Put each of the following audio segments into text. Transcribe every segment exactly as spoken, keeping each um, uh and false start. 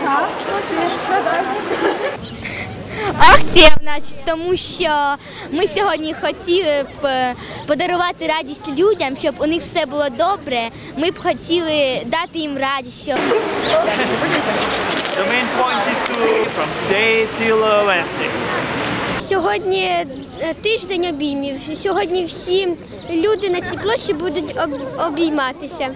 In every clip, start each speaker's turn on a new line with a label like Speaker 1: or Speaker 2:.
Speaker 1: Акція в нас, тому що ми сьогодні хотіли б подарувати радість людям, щоб у них все було добре. Ми б хотіли дати їм радість. Щоб...
Speaker 2: The main point is to from today till uh, Wednesday.
Speaker 1: Сьогодні е, тиждень обіймів. Сьогодні всі люди на цій площі будуть об- обійматися.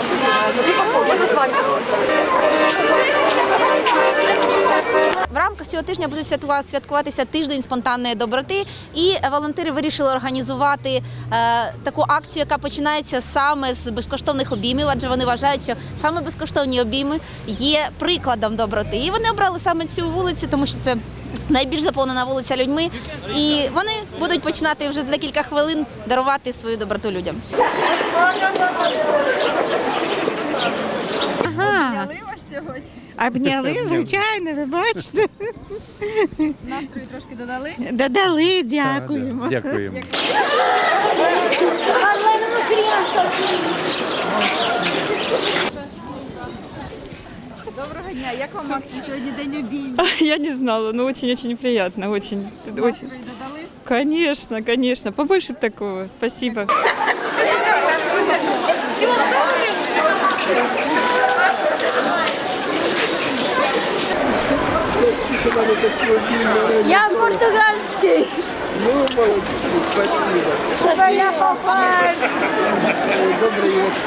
Speaker 3: В рамках цього тижня буде святкуватися тиждень спонтанної доброти, і волонтери вирішили організувати е, таку акцію, яка починається саме з безкоштовних обіймів, адже вони вважають, що саме безкоштовні обійми є прикладом доброти. І вони обрали саме цю вулицю, тому що це найбільш заповнена вулиця людьми, і вони будуть починати вже за декілька хвилин дарувати свою доброту людям.
Speaker 4: Ага. Обняли, звичайно, ви бачите.
Speaker 5: Настрою трошки додали?
Speaker 4: Додали, дякуємо.
Speaker 6: Дякуємо.
Speaker 5: Доброго дня, як вам акція? Сьогодні день обіймів.
Speaker 7: Я не знала, но очень-очень приятно, очень. очень.
Speaker 5: Настрою додали?
Speaker 7: Конечно, конечно, побольше такого, спасибо.
Speaker 1: Я португальський.
Speaker 8: Ну, молодцы, спасибо.
Speaker 1: Твоя папа.
Speaker 8: Добрый вечер.